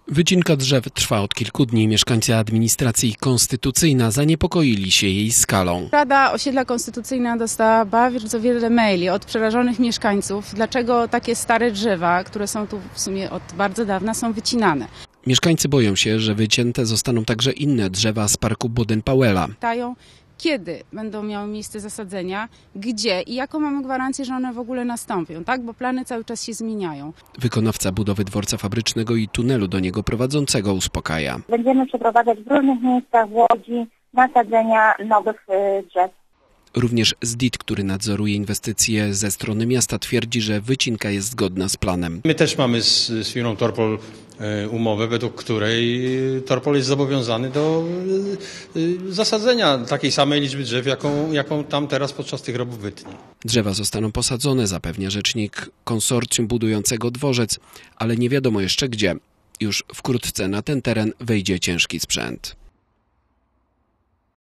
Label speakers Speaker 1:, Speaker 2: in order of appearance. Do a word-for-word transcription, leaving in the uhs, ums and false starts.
Speaker 1: Wycinka drzew trwa od kilku dni. Mieszkańcy administracji Konstytucyjna zaniepokoili się jej skalą.
Speaker 2: Rada Osiedla Konstytucyjna dostała bardzo wiele maili od przerażonych mieszkańców, dlaczego takie stare drzewa, które są tu w sumie od bardzo dawna, są wycinane.
Speaker 1: Mieszkańcy boją się, że wycięte zostaną także inne drzewa z parku Boden-Powella.
Speaker 2: Pytają, kiedy będą miały miejsce zasadzenia, gdzie i jaką mamy gwarancję, że one w ogóle nastąpią, tak? Bo plany cały czas się zmieniają.
Speaker 1: Wykonawca budowy dworca fabrycznego i tunelu do niego prowadzącego uspokaja.
Speaker 3: Będziemy przeprowadzać w różnych miejscach w Łodzi nasadzenia nowych drzew.
Speaker 1: Również Z D I T, który nadzoruje inwestycje ze strony miasta, twierdzi, że wycinka jest zgodna z planem.
Speaker 4: My też mamy z, z firmą Torpol umowę, według której Torpol jest zobowiązany do zasadzenia takiej samej liczby drzew, jaką, jaką tam teraz podczas tych robót wytnie.
Speaker 1: Drzewa zostaną posadzone, zapewnia rzecznik konsorcjum budującego dworzec, ale nie wiadomo jeszcze gdzie. Już wkrótce na ten teren wejdzie ciężki sprzęt.